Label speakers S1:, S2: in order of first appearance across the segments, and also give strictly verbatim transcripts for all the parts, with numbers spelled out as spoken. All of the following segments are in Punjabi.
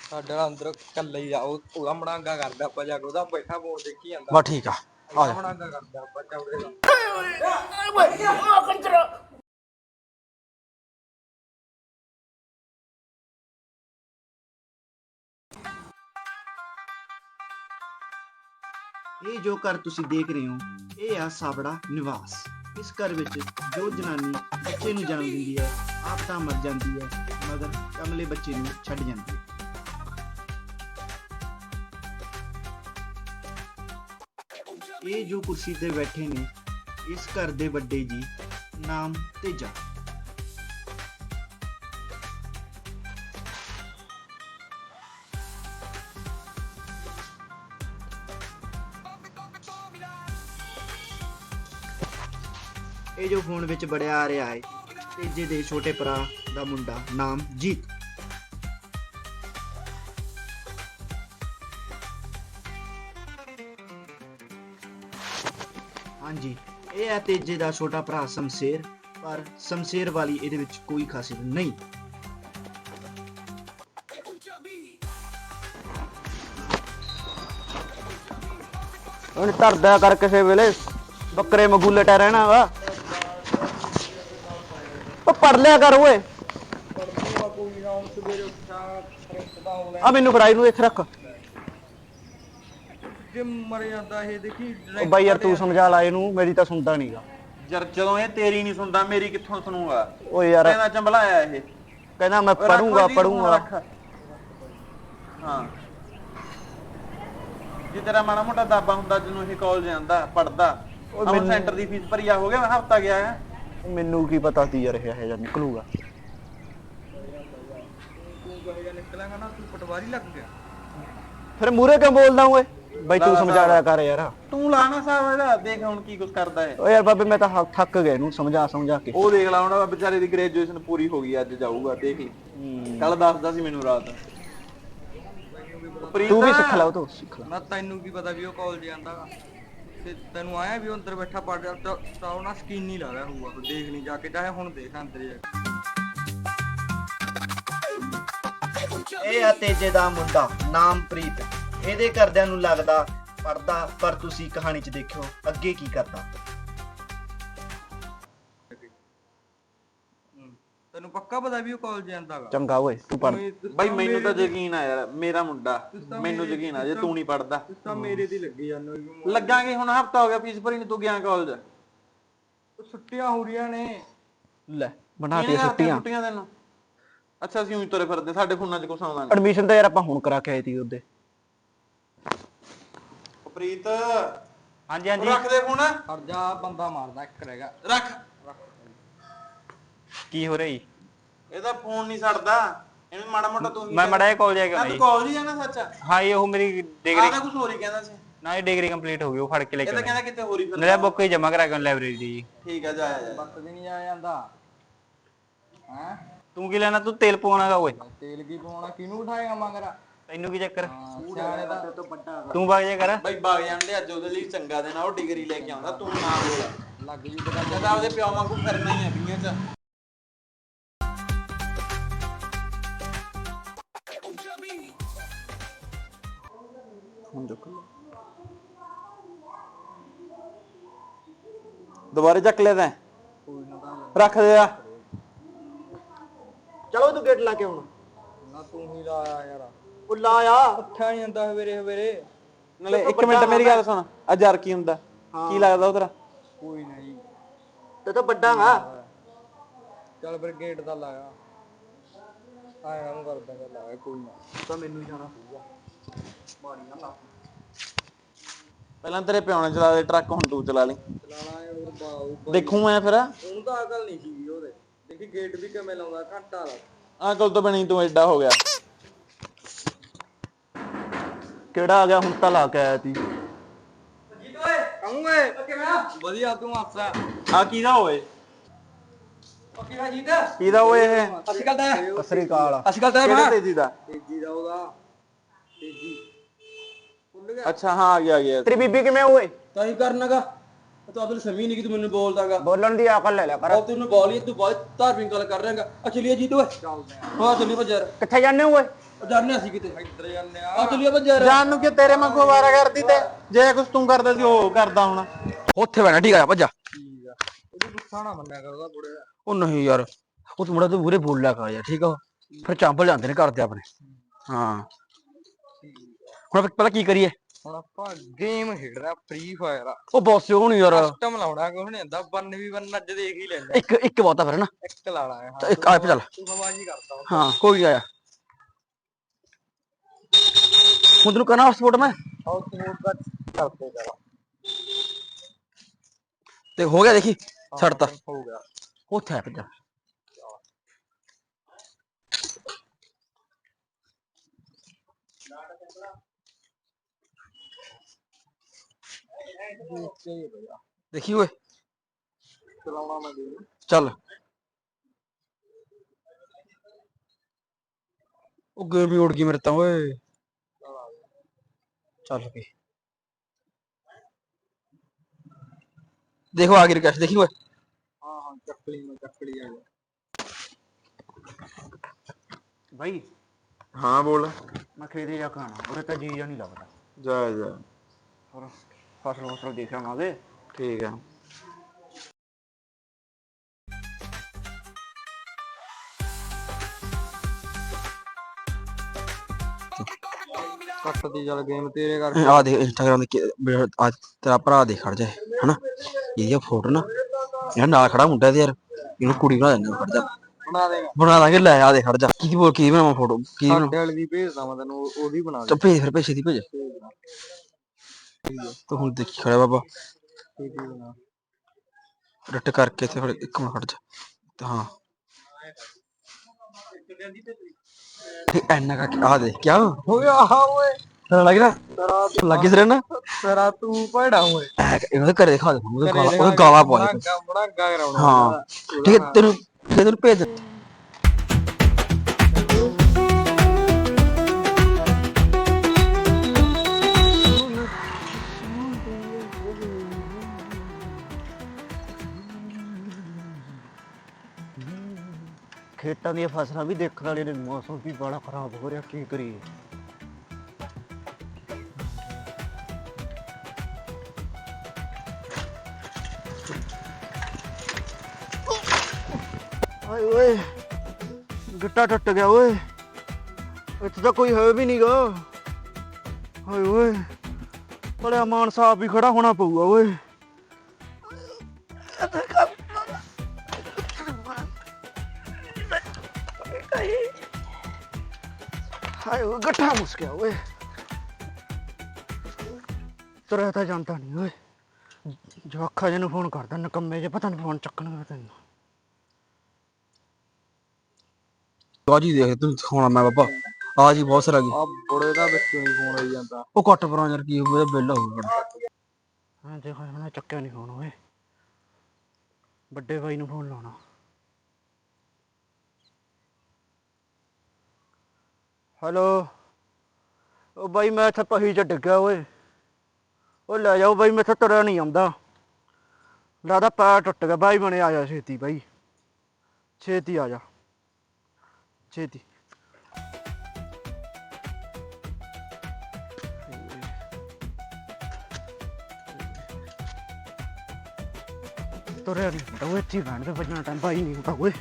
S1: ਸਾਡੇ ਨਾਲ ਅੰਦਰ ਕੱਲੇ ਹੀ ਆ ਉਹ ਉਹਦਾ ਮੜਾਂਗਾ ਕਰਦਾ ਆਪਾਂ ਜਾ ਕੇ ਉਹਦਾ ਬੈਠਾ ਫੋਨ ਦੇਖੀ ਜਾਂਦਾ
S2: ਬਸ ਠੀਕ ਆ ਆ
S1: ਉਹਦਾ
S2: ਜਾ
S1: ਮੜਾਂਗਾ ਕਰਦਾ ਆਪਾਂ ਚੌੜੇ ਦਾ
S3: ਇਹ ਜੋ ਘਰ ਤੁਸੀਂ ਦੇਖ ਰਹੇ ਹੋ ਇਹ ਆ ਸਾਬੜਾ ਨਿਵਾਸ। ਇਸ ਘਰ ਵਿੱਚ ਜੋ ਜਨਾਨੀ ਬੱਚੇ ਨੂੰ ਜਨਮ ਦਿੰਦੀ ਹੈ ਆਪ ਤਾਂ ਮਰ ਜਾਂਦੀ ਹੈ ਮਗਰ ਕਮਲੇ ਬੱਚੇ ਨੂੰ ਛੱਡ ਜਾਂਦੀ ਹੈ। ਇਹ ਜੋ ਕੁਰਸੀ ਤੇ ਬੈਠੇ ਨੇ ਇਸ ਘਰ ਦੇ ਵੱਡੇ ਜੀ ਨਾਮ ਤੇਜਾ। ਇਹ ਜੋ ਫੋਨ ਵਿੱਚ ਬੜਿਆ ਆ ਰਿਹਾ ਹੈ ਤੇਜੇ ਦੇ ਛੋਟੇ ਭਰਾ ਦਾ ਮੁੰਡਾ ਨਾਮ ਜੀਤ। ਹਾਂਜੀ ਇਹ ਹੈ ਤੇਜੇ ਦਾ ਛੋਟਾ ਭਰਾ ਸ਼ਮਸ਼ੇਰ, ਪਰ ਸ਼ਮਸ਼ੇਰ ਵਾਲੀ ਇਹਦੇ ਵਿੱਚ ਕੋਈ ਖਾਸੀਅਤ ਨਹੀਂ।
S2: ਹੁਣ ਧਰਦਾ ਕਰ ਕਿਸੇ ਵੇਲੇ ਬੱਕਰੇ ਮਗੂਲੇ ਟਾ ਰਹਿਣਾ ਵਾ। ਉਹ ਪੜ ਲਿਆ ਕਰ ਓਏ। ਆ ਮੈਨੂੰ ਫੜਾਈ ਨੂੰ ਇੱਥੇ ਰੱਖ।
S1: ਜੇ ਮਰ ਜਾਂਦਾ ਇਹ ਦੇਖੀ
S2: ਉਹ ਬਾਈ ਯਾਰ ਤੂੰ ਸਮਝਾ ਲਾ ਇਹਨੂੰ, ਮੇਰੀ ਤਾਂ ਸੁਣਦਾ ਨਹੀਂਗਾ
S4: ਯਾਰ ਜਦੋਂ ਇਹ ਤੇਰੀ ਨਹੀਂ ਸੁਣਦਾ ਮੇਰੀ ਕਿੱਥੋਂ ਸੁਣੂਗਾ।
S2: ਓਏ ਯਾਰ
S4: ਕਹਿੰਦਾ ਚੰਬਲਾਇਆ ਇਹ
S2: ਕਹਿੰਦਾ ਮੈਂ ਪੜੂੰਗਾ ਪੜੂੰਗਾ।
S4: ਹਾਂ ਜੇ ਤੇਰਾ ਮਾੜਾ ਮੋਟਾ ਦਾਬਾ ਹੁੰਦਾ ਜਦੋਂ ਇਹ ਕਾਲਜ ਜਾਂਦਾ ਪੜਦਾ ਉਹ ਸੈਂਟਰ ਦੀ ਫੀਸ ਭਰੀ ਆ ਹੋ ਗਿਆ ਮੈਂ ਹਫਤਾ ਗਿਆ ਹੈ।
S2: ਮੈਨੂੰ ਕੀ ਪਤਾ ਸੀ ਯਾਰ ਇਹ ਇਹ ਜਾਂ ਨਿਕਲੂਗਾ।
S1: ਤੂੰ ਕਹੇਗਾ ਨਿਕਲਾਂਗਾ ਨਾ ਤੂੰ ਪਟਵਾਰੀ ਲੱਗ ਗਿਆ
S2: ਫਿਰ ਮੂਰੇ ਕਿਉਂ ਬੋਲਦਾ ਓਏ? ਬਾਈ ਤੂੰ ਸਮਝਾ ਲਿਆ ਕਰ ਯਾਰ।
S4: ਤੂੰ ਲਾਣਾ ਸਾਹਿਬ ਇਹਦਾ ਦੇਖ ਹੁਣ ਕੀ ਕੁਝ ਕਰਦਾ ਹੈ।
S2: ਓ ਯਾਰ ਬਾਬੇ ਮੈਂ ਤਾਂ ਥੱਕ ਗਿਆ ਇਹਨੂੰ ਸਮਝਾ ਸਮਝਾ ਕੇ।
S4: ਉਹ ਦੇਖ ਲਾ ਹੁਣ ਵਿਚਾਰੇ ਦੀ ਗ੍ਰੈਜੂਏਸ਼ਨ ਪੂਰੀ ਹੋ ਗਈ ਅੱਜ ਜਾਊਗਾ ਦੇਖ ਲਈ। ਕੱਲ ਦੱਸਦਾ ਸੀ ਮੈਨੂੰ ਰਾਤ।
S2: ਤੂੰ ਵੀ ਸਿੱਖ ਲੈ ਉਹ ਤੋਂ ਸਿੱਖ ਲੈ।
S1: ਨਾ ਤੈਨੂੰ ਕੀ ਪਤਾ ਵੀ ਉਹ ਕਾਲਜ ਜਾਂਦਾ ਤੇ ਤੈਨੂੰ ਆਇਆ ਵੀ ਉਹ ਅੰਦਰ ਬੈਠਾ ਪੜ ਰਿਹਾ ਤਾਂ ਉਹਨਾਂ ਸਕੀਨ ਨਹੀਂ ਲਾ ਰਿਹਾ ਹੋਊਗਾ ਤੂੰ ਦੇਖ ਨਹੀਂ ਜਾ ਕੇ ਚਾਹੇ ਹੁਣ ਦੇਖ ਅੰਦਰ ਜਾ ਕੇ।
S3: ਇਹ ਆ ਤੇਜੇ ਦਾ ਮੁੰਡਾ ਨਾਮ ਪ੍ਰੀਤ। ਇਹਦੇ ਘਰਦਿਆਂ ਨੂੰ ਲੱਗਦਾ ਪੜਦਾ, ਪਰ ਤੁਸੀਂ ਕਹਾਣੀ 'ਚ ਦੇਖਿਓ ਅੱਗੇ ਕੀ ਕਰਦਾ।
S1: ਤੈਨੂੰ ਪੱਕਾ ਪਤਾ ਵੀ ਉਹ ਕਾਲਜ ਜਾਂਦਾਗਾ?
S2: ਚੰਗਾ ਓਏ ਤੂੰ ਪੜ।
S4: ਬਾਈ ਮੈਨੂੰ ਤਾਂ ਯਕੀਨ ਆ ਯਾਰ ਮੇਰਾ ਮੁੰਡਾ ਮੈਨੂੰ ਯਕੀਨ ਆ ਜੇ ਤੂੰ ਨਹੀਂ ਪੜਦਾ
S1: ਤਾਂ ਮੇਰੇ ਦੀ ਲੱਗੀ ਜਾਂਦਾ
S4: ਲੱਗਾਂਗੇ। ਹੁਣ ਹਫਤਾ ਹੋ ਗਿਆ ਫੀਸ ਭਰੀ ਨੂੰ ਤੂੰ ਗਿਆ ਕਾਲਜ।
S1: ਛੁੱਟੀਆਂ ਹੋ ਰਹੀਆਂ ਨੇ।
S2: ਲੈ ਬਣਾਤੀਆਂ ਛੁੱਟੀਆਂ
S4: ਛੁੱਟੀਆਂ ਤੈਨੂੰ। ਅੱਛਾ ਅਸੀਂ ਉਹੀ ਤੁਰੇ ਫਿਰਦੇ ਸਾਡੇ ਫੋਨਾਂ 'ਚ ਕੁਛ ਆਉਂਦਾ ਨਹੀਂ।
S2: ਐਡਮਿਸ਼ਨ ਤਾਂ ਯਾਰ ਆਪਾਂ ਹੁਣ ਕਰਾ ਕੇ ਆਏ ਸੀ ਉਹਦੇ।
S4: ਪ੍ਰੀਤ
S2: ਹਾਂਜੀ ਹਾਂਜੀ
S4: ਰੱਖ ਦੇ ਫੋਨ।
S1: ਹਟ ਜਾ ਬੰਦਾ ਮਾਰਦਾ ਇੱਕ ਰਹੇਗਾ।
S4: ਰੱਖ।
S2: ਕੀ ਹੋ ਰਿਹਾ ਜੀ?
S4: ਇਹਦਾ ਫੋਨ ਨਹੀਂ ਛੱਡਦਾ ਇਹਨੂੰ ਮਾੜਾ ਮੋਟਾ ਤੂੰ
S2: ਮੈਂ ਮੜਾ ਕਾਲਜ ਆ ਗਿਆ
S4: ਤੂੰ ਕਾਲਜ ਹੀ ਜਾਣਾ ਸੱਚ।
S2: ਹਾਂ ਇਹ ਉਹ ਮੇਰੀ ਡਿਗਰੀ
S4: ਆਹ ਤਾਂ ਕੁਝ ਹੋਰ ਹੀ ਕਹਿੰਦਾ ਸੀ।
S2: ਨਾ ਇਹ ਡਿਗਰੀ ਕੰਪਲੀਟ ਹੋ ਗਈ ਉਹ ਫੜ ਕੇ ਲੈ
S4: ਇਹ
S2: ਕੇ
S4: ਤਾਂ ਕਹਿੰਦਾ ਕਿਤੇ ਹੋਰ ਹੀ ਫਿਰ।
S2: ਮੇਰਾ ਬੁੱਕ ਹੀ ਜਮਾ ਕਰਾ ਕੇ ਲਾਇਬ੍ਰੇਰੀ ਦੀ ਜੀ।
S4: ਠੀਕ ਆ ਜਾ ਜਾ।
S1: ਬੱਤ ਵੀ ਨਹੀਂ ਆ ਜਾਂਦਾ ਹੈ।
S2: ਤੂੰ ਕੀ ਲੈਣਾ? ਤੂੰ ਤੇਲ ਪਵਾਉਣਾਗਾ ਓਏ।
S1: ਤੇਲ ਕੀ ਪਾਉਣਾ ਕਿਹਨੂੰ ਉਠਾਏਗਾ ਮਗਰ?
S2: ਤੈਨੂੰ ਕੀ ਚੱਕਰ?
S1: ਸਿਆਣੇ ਦਾ ਤੋਂ ਵੱਡਾ
S2: ਤੂੰ ਵਗ ਜਾ ਕਰ।
S4: ਬਾਈ ਬਾਗ ਜਾਂਦੇ ਅੱਜ ਉਹਦੇ ਲਈ ਚੰਗਾ ਦਿਨ ਆ ਉਹ ਡਿਗਰੀ ਲੈ ਕੇ ਆਉਂਦਾ ਤੂੰ ਨਾ ਬੋਲ।
S1: ਲੱਗ ਜੀ ਪਤਾ
S4: ਜਦ ਆਪਦੇ ਪਿਓ ਵਾਂਗੂ ਫਿਰਨਾ ਹੀ ਆ ਦੁਨੀਆ 'ਚ। ਦੁਬਾਰੇ ਚੱਕ ਲਿਆ ਤੈਂ? ਰੱਖ ਦੇ ਆ।
S3: ਚਲੋ ਤੂੰ ਗੇਟ ਲਾ ਕੇ ਹੁਣ।
S1: ਨਾ ਤੂੰ ਹੀ ਲਾਇਆ ਯਾਰ।
S3: ਉਹ ਲਾਇਆ
S1: ਉੱਠਿਆ ਨਹੀਂ ਜਾਂਦਾ ਹਵੇਰੇ ਹਵੇਰੇ।
S4: ਨਾਲੇ ਇੱਕ ਮਿੰਟ ਮੇਰੀ ਗੱਲ ਸੁਣ ਆ ਯਾਰ ਕੀ ਹੁੰਦਾ ਕੀ ਲੱਗਦਾ ਉਧਰ?
S1: ਕੋਈ ਨਹੀਂ
S3: ਤੇ ਤਾਂ ਵੱਡਾ ਵਾ।
S1: ਚੱਲ ਫਿਰ ਗੇਟ ਦਾ ਲਾਇਆ ਆਇਆ ਨੂੰ ਕਰਦਾ ਗੱਲ ਲਾਇਆ ਕੋਈ ਨਾ
S3: ਤਾਂ ਮੈਨੂੰ ਹੀ ਜਾਣਾ ਪਊਗਾ। ਮਾਰੀ ਨਾ ਲਾ।
S4: ਪਹਿਲਾਂ ਤੇਰੇ ਪਿਓ ਨੇ ਚਲਾ ਦੇ ਟਰੱਕ ਹੁਣ ਤੂੰ ਚਲਾ ਲਈ।
S1: ਚਲਾਣਾ ਹੈ ਹੋਰ ਬਾਉ
S4: ਦੇਖੂ ਮੈਂ ਫਿਰ।
S1: ਉਹਨੂੰ ਤਾਂ ਅਕਲ ਨਹੀਂ ਸੀਗੀ ਉਹਦੇ। ਦੇਖੀ ਗੇਟ ਵੀ ਕਿਵੇਂ ਲਾਉਂਦਾ ਘੰਟਾ ਲਾ।
S4: ਅਕਲ ਤੋਂ ਬਣੀ ਤੂੰ ਐਡਾ ਹੋ ਗਿਆ।
S2: ਕਿਹੜਾ ਆ ਗਿਆ ਹੁਣ ਤਾਂ ਲਾ ਕੇ ਆਇਆ ਤੀ।
S1: ਜੀਤ ਓਏ ਕਹੂੰ ਓਏ ਕਿਵੇਂ ਵਧੀਆ ਤੂੰ ਹੱਸਾ।
S4: ਆ ਕਿਹਦਾ ਓਏ?
S1: ਕਿਵੇਂ ਜੀਤ
S4: ਕਿਹਦਾ ਓਏ ਇਹ?
S1: ਅਸੀਂ ਗੱਲ ਤਾਂ
S2: ਸਤਿ ਸ੍ਰੀ ਅਕਾਲ।
S1: ਅਸੀਂ ਗੱਲ ਤਾਂ
S4: ਕਿਹੜੇ ਤੇਜੀ ਦਾ?
S1: ਤੇਜੀ ਦਾ ਉਹਦਾ ਤੇਜੀ ਭੁੱਲ ਗਿਆ।
S4: ਅੱਛਾ ਹਾਂ ਆ ਗਿਆ ਆ ਗਿਆ।
S2: ਤੇਰੀ ਬੀਬੀ ਕਿਵੇਂ ਓਏ?
S1: ਤਾਂ ਹੀ ਕਰਨਾਗਾ ਤੂੰ ਆਪਣੀ ਸਮਝ ਨਹੀਂ ਕਿ ਤੂੰ ਮੈਨੂੰ ਬੋਲਦਾਗਾ।
S2: ਬੋਲਣ ਦੀ ਅਕਲ ਲੈ ਲਿਆ ਕਰ।
S1: ਉਹ ਤੈਨੂੰ ਬੋਲੀ ਤੂੰ ਬਹੁਤ ਧਾਰਮਿਕ ਗੱਲ ਕਰ ਰਿਹਾਗਾ। ਆ ਚਲੀਏ ਜੀਤ ਓਏ ਚੱਲਦੇ ਆ। ਹਾਂ ਚੱਲੀ ਭੱਜ ਯਾਰ।
S2: ਕਿੱਥੇ ਜਾਂਦੇ ਹੋ ਓਏ?
S1: ਜਾਣਿਆ ਸੀ ਕਿਤੇ ਇੱਧਰ ਜਾਂਦੇ ਆ ਚੱਲੀਏ ਬੱਜੇ ਯਾਰ
S4: ਜਾਨ ਨੂੰ ਕਿ ਤੇਰੇ ਵਾਂਗੂ ਆਵਾਰਾ ਕਰਦੀ ਤੇ ਜੇ ਕੁਛ ਤੂੰ ਕਰਦਾ ਸੀ ਉਹ ਕਰਦਾ ਹੁਣ।
S2: ਉੱਥੇ ਬੈਣਾ ਠੀਕ ਆ ਭੱਜਾ।
S1: ਠੀਕ ਆ ਉਹਦੀ ਗੁੱਸਾ ਨਾ ਮੰਨਿਆ ਕਰ ਉਹਦਾ ਬੁੜੇ
S2: ਉਹ ਨਹੀਂ ਯਾਰ ਉਹ ਤੂੰ ਮੁੰਡਾ ਤੂੰ ਮੂਰੇ ਬੋਲ ਲਿਆ ਕਰ ਯਾਰ ਠੀਕ ਆ ਫਿਰ ਚਾਂਪਲ ਜਾਂਦੇ ਨੇ ਘਰ ਤੇ ਆਪਣੇ। ਹਾਂ ਹੁਣ ਆਪਾਂ ਪਤਾ ਕੀ ਕਰੀਏ
S1: ਹੁਣ ਆਪਾਂ ਗੇਮ ਖੇਡਣਾ ਫ੍ਰੀ ਫਾਇਰ ਆ
S2: ਉਹ ਬੌਸ ਉਹ ਨਹੀਂ ਯਾਰ
S1: ਕਸਟਮ ਲਾਉਣਾ ਕੁਛ ਨਹੀਂ ਹੁੰਦਾ ਵਨ ਵੀ ਵਨ ਅੱਜ ਦੇਖ ਹੀ ਲੈਂਦਾ
S2: ਇੱਕ ਇੱਕ ਬਹੁਤਾ ਫਿਰ ਨਾ
S1: ਇੱਕ ਲਾ ਲਾਂਗੇ
S2: ਤਾਂ ਇੱਕ ਆ ਚੱਲ
S1: ਤੂੰ ਹਵਾਜੀ ਕਰਦਾ ਹੁਣ।
S2: ਹਾਂ ਕੋਈ ਆਇਆ ਹੁਣ ਤੈਨੂੰ ਕਰਨਾ ਸਪੋਰਟ ਮੈਂ
S1: ਆਉ ਸਪੋਰਟ ਦਾ ਕਰਦੇ ਜਰਾ
S2: ਤੇ ਹੋ ਗਿਆ ਦੇਖੀ ਛੱਡਤਾ
S1: ਹੋ ਗਿਆ
S2: ਉੱਥੇ ਆ ਭੱਜਾ। ਦੇਖੀ ਓਏ
S1: ਚਲਾਉਣਾ ਮੈਂ ਦੇ
S2: ਚੱਲ ਉਹ ਗੇਮ ਹੀ ਉੜ ਗਈ ਮੇਰੇ ਤਾਂ ਓਏ ਚੱਲ ਪਈ ਦੇਖੋ ਆ ਗਈ ਰਿਕਵੈਸਟ ਦੇਖੀ ਓਏ
S1: ਹਾਂ ਹਾਂ ਚੱਕਲੀ ਮੈਂ ਚੱਕਲੀ ਆ ਗਿਆ
S3: ਬਾਈ
S4: ਹਾਂ ਬੋਲ।
S3: ਮੈਂ ਖੇਤੇ ਜਾ ਖਾਣਾ ਉਰੇ ਤਾਂ ਜੀ ਨਹੀਂ ਲੱਗਦਾ।
S4: ਜਾ ਜਾ
S3: ਹੋਰ ਫਸਲ ਫਸਲ ਦੇਖਾਂਗੇ।
S4: ਠੀਕ ਆ।
S1: ਕੱਟਦੀ ਚੱਲ ਗੇਮ ਤੇਰੇ ਕਰਕੇ
S2: ਆ ਦੇਖ ਇੰਸਟਾਗ੍ਰਾਮ ਤੇ ਆ ਤੇਰਾ ਭਰਾ ਦੇਖ ਖੜ ਜਾ ਹਨਾ ਇਹਦੀ ਫੋਟੋ ਨਾ ਯਾਰ ਨਾਲ ਖੜਾ ਮੁੰਡਾ ਤੇ ਯਾਰ ਇਹਨੂੰ ਕੁੜੀ ਬਣਾ ਦਿੰਦੇ ਖੜ ਜਾ
S1: ਬਣਾ ਦੇਗਾ
S2: ਬਣਾ ਦਾਂਗੇ ਲੈ ਆ ਦੇ ਖੜ ਜਾ ਕੀ ਬੋਲ ਕੀ ਬਣਾਵਾਂ ਫੋਟੋ ਕੀ ਬਣਾ
S1: ਸਾਡੇ ਵਾਲੀ ਦੀ ਭੇਜਦਾ ਮੈਂ ਤੈਨੂੰ ਉਹ- ਉਹਦੀ ਬਣਾ ਦੇ
S2: ਚੱਲ ਭੇਜ ਫਿਰ ਪੈਸੇ ਦੀ ਭੇਜ ਤੂੰ ਹੁਣ ਦੇਖੀ ਖੜਾ ਬਾਬਾ
S1: ਕੀ ਕੀ ਬਣਾ
S2: ਰੱਟ ਕਰਕੇ ਤੇ ਫਿਰ ਇੱਕ ਮਿੰਟ ਖੜ ਜਾ ਤੇ ਹਾਂ ਠੀਕ ਐਨਾ ਕਾ ਆ ਦੇ ਕੀ
S1: ਹੋ ਗਿਆ ਆ ਓਏ
S2: ਤੇਰਾ ਲੱਗ ਨਾ ਲੱਗੀ ਸਰ ਨਾ
S1: ਤੇਰਾ ਤੂੰ ਭੜਾ ਓਏ
S2: ਇਹਨਾਂ ਦੇ ਘਰੇ ਦਿਖਾ ਦੇ ਉਹਦੇ ਗਾਲਾਂ ਉਹਦੇ ਗਾਲਾਂ ਪਵਾ ਦੇ
S1: ਬੜਾ ਗਾ ਕਰਾਉਣਾ
S2: ਹਾਂ ਠੀਕ ਹੈ ਤੈਨੂੰ ਤੈਨੂੰ ਭੇਜ
S3: ਖੇਤਾਂ ਦੀਆਂ ਫਸਲਾਂ ਵੀ ਦੇਖਣ ਵਾਲੇ ਨੇ ਮੌਸਮ ਵੀ ਬੜਾ ਖਰਾਬ ਹੋ ਰਿਹਾ ਕੀ ਕਰੀਏ। ਹਾਏ ਓਏ ਗਿੱਟਾ ਟੁੱਟ ਗਿਆ ਓਏ ਇੱਥੇ ਤਾਂ ਕੋਈ ਹੈ ਵੀ ਨਹੀਂਗਾ। ਹਾਏ ਓਏ ਬੜਾ ਮਾਨ ਸਾਹਿਬ ਵੀ ਖੜਾ ਹੋਣਾ ਪਊਗਾ ਓਏ। ਹਾਏ ਓਏ ਗੱਠਾ ਮੁਸ ਗਿਆ ਓਏ ਤੁਰਿਆ ਤਾਂ ਜਾਂਦਾ ਨਹੀਂ ਓਏ ਜਵਾਖਾ ਜੀ ਨੂੰ ਫੋਨ ਕਰਦਾ ਨਕੰਮੇ ਜੇ ਪਤਾ ਨਹੀਂ ਫੋਨ ਚੱਕਣਗੇ ਤੈਨੂੰ।
S2: ਆ ਜੀ ਦੇਖ ਤੂੰ ਦਿਖਾਉਣਾ ਮੈਂ ਬਾਬਾ ਆ ਜੀ ਬਹੁਤ ਸਾਰਾ
S1: ਆ ਬੁੜੇ ਦਾ ਵਿੱਚੋਂ ਨਹੀਂ ਫੋਨ ਆਈ ਜਾਂਦਾ
S2: ਉਹ ਕੱਟ ਪਰਾਂ ਯਾਰ ਕੀ ਹੋਊਗਾ ਬਿੱਲ ਹੋਊਗਾ
S3: ਹਾਂ ਦੇਖੋ ਹੁਣ ਚੱਕਿਆ ਨਹੀਂ ਫੋਨ ਓਏ ਵੱਡੇ ਬਾਈ ਨੂੰ ਫੋਨ ਲਾਉਣਾ। ਹੈਲੋ ਉਹ ਬਾਈ ਮੈਂ ਇੱਥੇ ਪਹੀ ਚ ਡਿੱਗਿਆ ਓਏ ਉਹ ਲੈ ਜਾਓ ਬਾਈ ਮੈਥੋਂ ਤੁਰਿਆ ਨਹੀਂ ਆਉਂਦਾ ਲੱਗਦਾ ਪੈਰ ਟੁੱਟ ਗਿਆ ਬਾਈ ਬਣੇ ਆ ਜਾ ਛੇਤੀ ਬਾਈ ਛੇਤੀ ਆ ਜਾ ਛੇਤੀ। ਤੁਰਿਆ ਨਹੀਂ ਹੁੰਦਾ ਉਹ ਇੱਥੇ ਬੈਠ ਤੇ ਵੱਜਣਾ ਟਾਈਮ ਬਾਈ ਨਹੀਂ ਹੁੰਦਾ ਓਏ।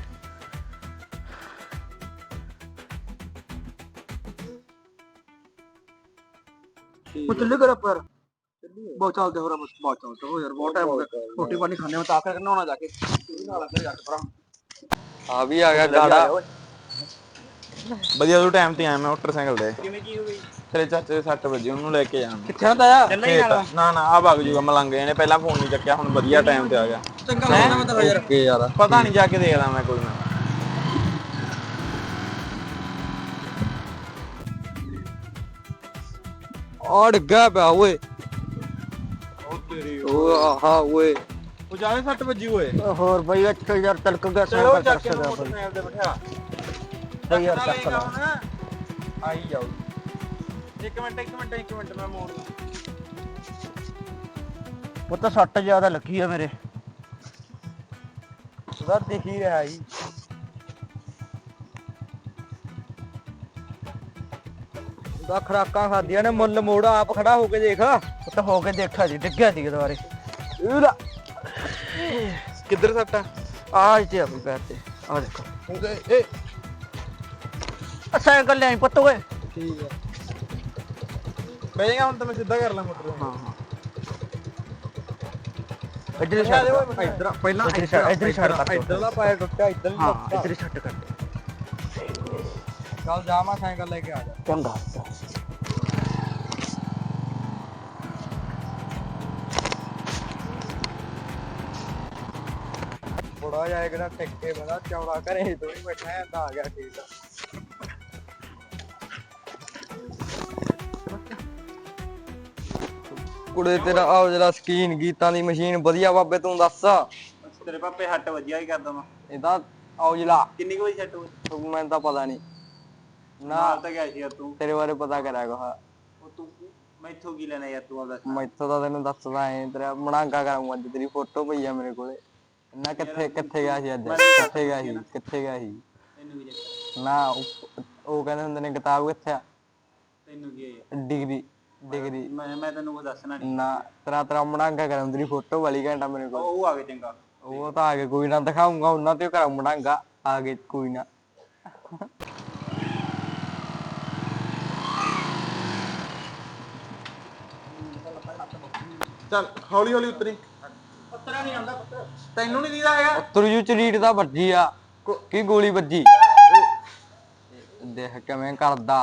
S2: ਉਹ ਚੱਲੇ ਕਰ ਪਰ ਬਹੁਤ ਚੱਲਦੇ ਹੋ ਰਾ ਬਹੁਤ ਚੱਲਦੇ ਹੋ ਯਾਰ ਬਹੁਤ ਟਾਈਮ ਹੋ ਗਿਆ ਰੋਟੀ ਪਾਣੀ ਖਾਣੇ ਮੈਂ ਤਾਂ ਆਖਰ ਨਹਾਉਣਾ ਜਾ ਕੇ ਨਾਲ ਕਰ ਜਾ ਕੇ ਭਰਾ
S1: ਆ ਵੀ ਆ ਗਿਆ ਗਾੜਾ
S4: ਵਧੀਆ ਤੂੰ ਟਾਈਮ ਤੇ ਆਇਆ ਮੈਂ ਮੋਟਰਸਾਈਕਲ ਤੇ
S1: ਕਿਵੇਂ ਕੀ ਹੋ ਗਈ
S4: ਤੇਰੇ ਚਾਚੇ ਦੇ ਸੱਟ ਵਜੇ ਉਹਨੂੰ ਲੈ ਕੇ ਜਾਣਾ
S1: ਕਿੱਥੇ ਹੁੰਦਾ ਆ
S4: ਖੇਤ। ਨਾ ਨਾ ਆ ਵਗ ਜੂਗਾ ਮਲੰਗੇ ਨੇ ਪਹਿਲਾਂ ਫੋਨ ਨਹੀਂ ਚੱਕਿਆ ਹੁਣ ਵਧੀਆ ਟਾਈਮ ਤੇ ਆ ਗਿਆ।
S1: ਚੰਗਾ ਲੱਗਦਾ ਮੈਂ ਤਾਂ ਯਾਰ ਅੱਗੇ ਯਾਰ
S4: ਪਤਾ ਨਹੀਂ ਜਾ ਕੇ ਦੇਖਦਾ ਮੈਂ ਕੋਈ ਨਾ।
S1: ਆ ਡਿੱਗਾ ਪਿਆ ਓਏ ਉਹ ਆਹਾ ਓਏ
S4: ਉਹ ਜਾਵੇ ਸੱਟ ਵੱਜੀ ਓਏ।
S3: ਹੋਰ ਬਾਈ ਇੱਥੇ ਯਾਰ ਤਲਕ ਗਿਆ
S4: ਚਲੋ
S3: ਸਾਈਕਲ
S4: ਚੱਕ
S3: ਕਰ
S4: ਕੇ
S3: ਸਕਦਾ
S4: ਮੋਟਰਸਾਈਕਲ ਤੇ ਬਿਠਾ
S3: ਬਾਈ ਯਾਰ ਚੱਕ ਲਾ
S4: ਆਈ ਜਾਓ ਇੱਕ ਮਿੰਟ ਇੱਕ ਮਿੰਟ ਇੱਕ ਮਿੰਟ ਮੈਂ ਮੋੜ
S3: ਉਹ ਤਾਂ ਸੱਟ ਜ਼ਿਆਦਾ ਲੱਗੀ ਆ ਮੇਰੇ
S1: ਉਹਦਾ ਦਿਖ ਹੀ ਰਿਹਾ ਜੀ ਦਾ ਖਰਾਕਾਂ ਖਾਦੀਆਂ ਨੇ ਮੁੱਲ ਮੋੜ ਆਪ ਖੜਾ ਹੋ ਕੇ ਦੇਖ।
S3: ਉਹ ਤਾਂ ਹੋ ਕੇ ਦੇਖਿਆ ਜੀ, ਡਿੱਗਿਆ ਸੀ ਦੁਬਾਰੇ।
S4: ਕਿੱਧਰ ਸੱਟਾ?
S3: ਆਹ ਤੇ ਆ ਵੀ ਪੈਰ ਤੇ, ਆ ਦੇਖੋ।
S4: ਇਹ
S3: ਆ ਸਾਈਕਲ ਲਿਆਈ ਪੁੱਤ ਓਏ।
S4: ਠੀਕ ਆ, ਬਹਿ ਜਾਏਗਾ ਹੁਣ ਤਾਂ ਮੈਂ ਸਿੱਧਾ ਕਰ ਲਾਂ ਮੋਟਰ।
S3: ਹਾਂ ਹਾਂ ਇੱਧਰ ਛੱਡ,
S1: ਇੱਧਰ ਪਹਿਲਾਂ
S3: ਇੱਧਰ ਛੱਡ, ਇੱਧਰ ਛੱਡ ਕਰ।
S1: ਇੱਧਰਲਾ ਪਾਇਆ ਟੁੱਟਿਆ, ਇੱਧਰ ਵੀ
S3: ਹਾਂ
S1: ਟੁੱਟਿਆ।
S3: ਇੱਧਰ ਛੱਡ ਕਰ।
S1: ਚੱਲ ਜਾ ਮੈਂ ਸਾਈਕਲ ਲੈ ਕੇ ਆ ਜਾ।
S3: ਚੰਗਾ।
S1: ਬੜਾ ਜਾਏ ਕਿਹੜਾ ਟਿੱਕੇ ਬਣਾ ਚੌੜਾ ਘਰੇ ਤੋਂ ਹੀ ਬੈਠਾ ਹੈ ਤਾਂ ਆ ਗਿਆ ਠੀਕ ਆ। ਕੁੜੇ ਤੇਰਾ ਆਹ ਜਿਹੜਾ ਸਕੀਨ ਗੀਤਾਂ ਦੀ ਮਸ਼ੀਨ ਵਧੀਆ ਬਾਬੇ ਤੂੰ ਦੱਸ।
S4: ਤੇਰੇ ਪਾਪੇ ਹੱਟ ਵਧੀਆ ਹੀ ਕਰਦਾ ਮੈਂ।
S1: ਇਹਦਾ ਔਜਲਾ
S4: ਕਿੰਨੀ ਕੁ ਵਜੇ ਸੈੱਟ ਹੋਈ?
S1: ਮੈਨੂੰ ਤਾਂ ਪਤਾ ਨਹੀਂ ਨਾ,
S4: ਨਾਲ ਤਾਂ ਗਿਆ ਸੀ ਯਾਰ ਤੂੰ।
S1: ਤੇਰੇ ਬਾਰੇ ਪਤਾ ਕਰਿਆ ਕੋ।
S4: ਉਹ ਤੂੰ ਮੈਥੋਂ ਕੀ ਲੈਣਾ ਯਾਰ ਤੂੰ ਆਪਦਾ?
S1: ਮੈਥੋਂ ਤਾਂ ਤੈਨੂੰ ਦੱਸਦਾ ਐ, ਤੇਰਾ ਮਣਾਂਗਾ ਕਰਾਂਗਾ ਅੱਜ। ਤੇਰੀ ਫੋਟੋ ਪਈ ਆ ਮੇਰੇ ਕੋਲੇ ਨਾ। ਕਿੱਥੇ ਕਿੱਥੇ ਗਿਆ ਸੀ ਅੱਜ? ਕਿੱਥੇ ਗਿਆ ਸੀ? ਕਿੱਥੇ ਗਿਆ ਸੀ?
S4: ਤੈਨੂੰ ਕੀ ਚੱਕਰ?
S1: ਨਾ ਉਹ ਉਹ ਕਹਿੰਦੇ ਹੁੰਦੇ ਨੇ ਕਿਤਾਬ ਕਿੱਥੇ ਆ?
S4: ਤੈਨੂੰ ਕੀ ਹੈ ਯਾਰ?
S1: ਡਿਗਰੀ ਡਿਗਰੀ
S4: ਮੈਂ ਮੈਂ ਤੈਨੂੰ ਕੋਈ ਦੱਸਣਾ ਨਹੀਂ।
S1: ਨਾ ਤੇਰਾ ਤੇਰਾ ਮਣਾਂਗਾ ਕਰਾਂ, ਤੇਰੀ ਫੋਟੋ ਵਾਲੀ ਘੰਟਾ ਮੇਰੇ ਕੋਲ।
S4: ਉਹ ਆ ਗਏ ਚੰਗਾ।
S1: ਉਹ ਤਾਂ ਆ ਕੇ ਕੋਈ ਨਾ ਦਿਖਾਉਂਗਾ ਉਹਨਾਂ ਤੇ ਕਰਾਂ ਮਣਾਂਗਾ। ਆ ਗਏ ਕੋਈ ਨਾ।
S4: ਚੱਲ ਹੌਲੀ ਹੌਲੀ ਉਤਰੀ। ਉਤਰਿਆ ਨਹੀਂ ਆਉਂਦਾ ਪੁੱਤ, ਤੈਨੂੰ ਨਹੀਂ ਦੀਦਾ ਹੈਗਾ?
S1: ਤੁਰਜੂ ਚਰੀਟ ਦਾ ਵੱਜੀ ਆ ਕੀ ਗੋਲੀ ਵੱਜੀ? ਦੇਖ ਕਿਵੇਂ ਕਰਦਾ।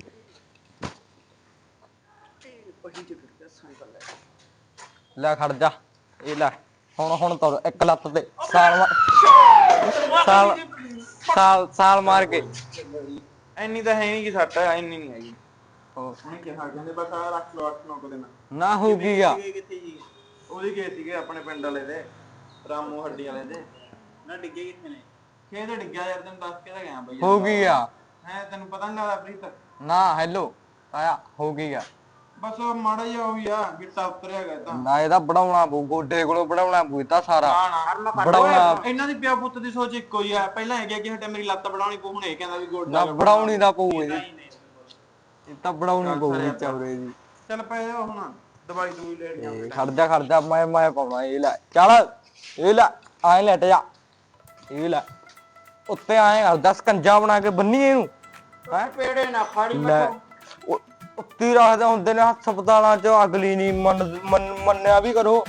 S1: ਲੈ ਖੜ ਜਾ, ਇਹ ਲੈ ਹੁਣ ਹੁਣ ਤੁਰ ਇੱਕ ਲੱਤ ਤੇ ਸਾਲ ਮਾਰ- ਸਾਲ ਸਾਲ ਸਾਲ ਮਾਰ ਕੇ।
S4: ਇੰਨੀ ਤਾਂ ਹੈ ਨਹੀਂ ਕਿ ਸੱਟ ਇੰਨੀ ਨਹੀਂ ਹੈਗੀ।
S1: ਉਹ
S4: ਉਹਨੇ ਕਿਹਾ ਕਹਿੰਦੇ ਬਸ ਆ ਰੱਖ ਲਓ ਅੱਠ ਨੌ ਕੁ ਦਿਨ।
S1: ਨਾ ਹੋ ਕੀ ਆ?
S4: ਕਿੱਥੇ ਜੀ? ਉਹਦੀ ਗਏ ਸੀਗੇ ਆਪਣੇ ਪਿੰਡ ਵਾਲੇ ਦੇ, ਰਾਮੂ ਹੱਡੀ ਵਾਲੇ ਦੇ। ਨਾ ਡਿੱਗੇ ਕਿੱਥੇ ਨੇ? ਖੇਤ ਡਿੱਗਿਆ ਯਾਰ, ਤੈਨੂੰ ਦੱਸ ਕੇ ਤਾਂ ਗਿਆ ਬਈ।
S1: ਹੋ ਕੀ ਆ?
S4: ਹੈ ਤੈਨੂੰ ਪਤਾ ਨਹੀਂ ਲੱਗਦਾ ਪ੍ਰੀਤ?
S1: ਨਾ ਹੈਲੋ ਆਇਆ ਹੋ ਕੀ ਆ?
S4: ਬਸ ਉਹ ਮਾੜਾ ਜਿਹਾ ਉਹੀ ਆ, ਗਿੱਟਾ ਉਤਰਿਆ ਗਿਆ ਤਾਂ।
S1: ਨਾ ਇਹਦਾ ਬਣਾਉਣਾ ਪਊ, ਗੋਡੇ ਕੋਲੋਂ ਬਣਾਉਣਾ ਪਊ ਇਹ ਤਾਂ ਸਾਰਾ
S4: ਨਾ
S1: ਬਣਾਉਣਾ।
S4: ਇਹਨਾਂ ਦੀ ਪਿਓ ਪੁੱਤ ਦੀ ਸੋਚ ਇੱਕੋ ਹੀ ਆ। ਪਹਿਲਾਂ ਇਹ ਗਿਆ ਕਿ ਹਟੇ ਮੇਰੀ ਲੱਤ ਬਣਾਉਣੀ ਪਊ, ਹੁਣ ਇਹ ਕਹਿੰਦਾ ਵੀ ਗੋਡਾ
S1: ਨਾ ਬਣਾਉਣੀ ਦਾ ਪਊ ਇਹਦੀ, ਇਹ ਤਾਂ ਬਣਾਉਣੀ ਪਊਗੀ ਚੌਰੇ ਦੀ।
S4: ਚੱਲ ਪੈ ਜਾ ਹੁਣ, ਦਵਾਈ ਦੂਈ ਲੈਣੀ ਆ।
S1: ਇਹ ਖੜ ਜਾ ਖੜ ਜਾ, ਮੈਂ ਮੈਂ ਪਾਉਣਾ। ਇਹ ਲੈ ਚੱਲ, ਇਹ ਲੈ ਆਏ ਲੈਟ ਜਾ, ਇਹ ਲੈ ਉੱਤੇ ਆਏ ਕਰ ਦਸ ਕੰਜਾ ਬਣਾ ਕੇ ਬੰਨੀ ਇਹਨੂੰ।
S4: ਹੈ ਪੇੜੇ ਨਾ ਫਾੜੀ
S1: ਲੈ ਉਹ- ਉੱਤੀ ਰੱਖਦੇ ਹੁੰਦੇ ਨੇ ਹਸਪਤਾਲਾਂ ਚ। ਅਗਲੀ ਨਹੀਂ ਮੰਨ ਮੰਨ- ਮੰਨਿਆ ਵੀ ਕਰੋ।